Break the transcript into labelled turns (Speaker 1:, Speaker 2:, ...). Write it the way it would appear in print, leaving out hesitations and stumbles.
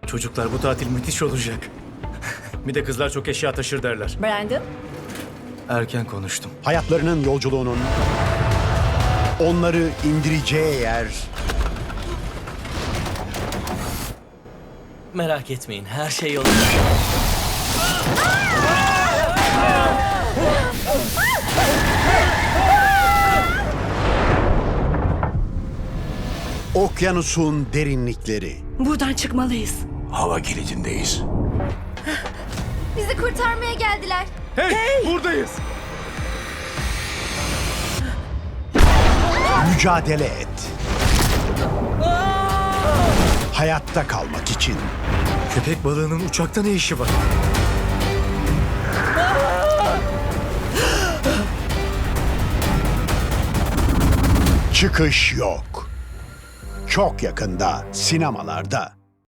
Speaker 1: Çocuklar, bu tatil müthiş olacak. Bir de kızlar çok eşya taşır derler.
Speaker 2: Brandon,
Speaker 1: Erken konuştum.
Speaker 3: Hayatlarının yolculuğunun onları indireceği yer
Speaker 4: Merak etmeyin, her şey yolunda.
Speaker 3: okyanusun derinlikleri.
Speaker 2: buradan çıkmalıyız.
Speaker 5: Hava kilidindeyiz.
Speaker 6: Bizi kurtarmaya geldiler.
Speaker 1: Hey! Buradayız!
Speaker 3: Mücadele et. Hayatta kalmak için.
Speaker 1: Köpek balığının uçakta ne işi var?
Speaker 3: Çıkış yok. Çok yakında sinemalarda.